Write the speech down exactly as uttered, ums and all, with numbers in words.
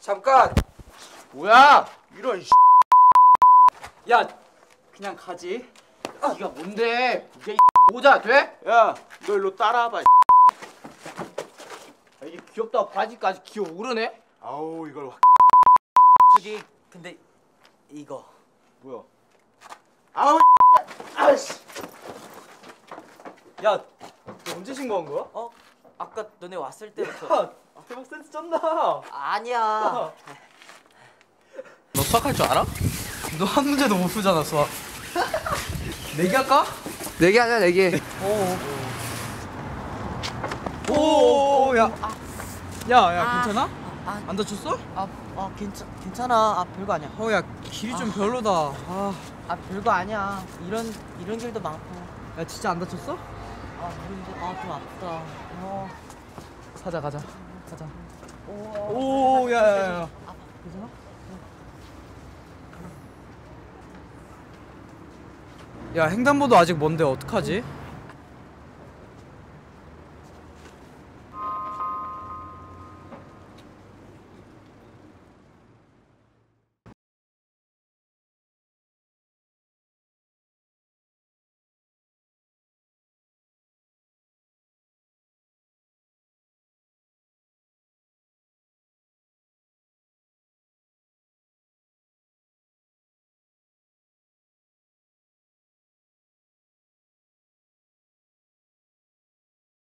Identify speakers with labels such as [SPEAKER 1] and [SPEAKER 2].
[SPEAKER 1] 잠깐.
[SPEAKER 2] 뭐야? 이런 씨.
[SPEAKER 1] 야, 그냥 가지.
[SPEAKER 2] 네가 뭔데? 이게 모자 돼?
[SPEAKER 3] 야, 너 일로 따라와봐.
[SPEAKER 2] 야, 이게 귀엽다 바지까지 기어 오르네?
[SPEAKER 3] 아우 이걸 확.
[SPEAKER 1] 저기 근데 이거
[SPEAKER 3] 뭐야? 아우 아씨.
[SPEAKER 1] 야, 너 언제 신고한 거야? 어? 아까 너네 왔을 때부터. 야, 대박 센스 쩐다. 아니야.
[SPEAKER 4] 너 수학할 줄 알아? 너 한 문제도 못 풀잖아 수학. 내기 할까?
[SPEAKER 2] 내기 하자 내기.
[SPEAKER 4] 오, 야, 야, 야,
[SPEAKER 1] 아,
[SPEAKER 4] 괜찮아?
[SPEAKER 1] 아,
[SPEAKER 4] 안 다쳤어?
[SPEAKER 1] 아, 아 괜찮 괜찮아. 아 별거 아니야.
[SPEAKER 4] 어, 야, 길이 좀 별로다. 아,
[SPEAKER 1] 아 별거 아니야. 이런 이런 길도 많고.
[SPEAKER 4] 야, 진짜 안 다쳤어?
[SPEAKER 1] 아 모르는데 아좀 아프다. 어.
[SPEAKER 4] 가자, 가자, 가자.
[SPEAKER 1] 오,
[SPEAKER 4] 오, 야, 야, 야.
[SPEAKER 1] 아 괜찮아?
[SPEAKER 4] 야, 횡단보도 아직 먼데 어떡하지?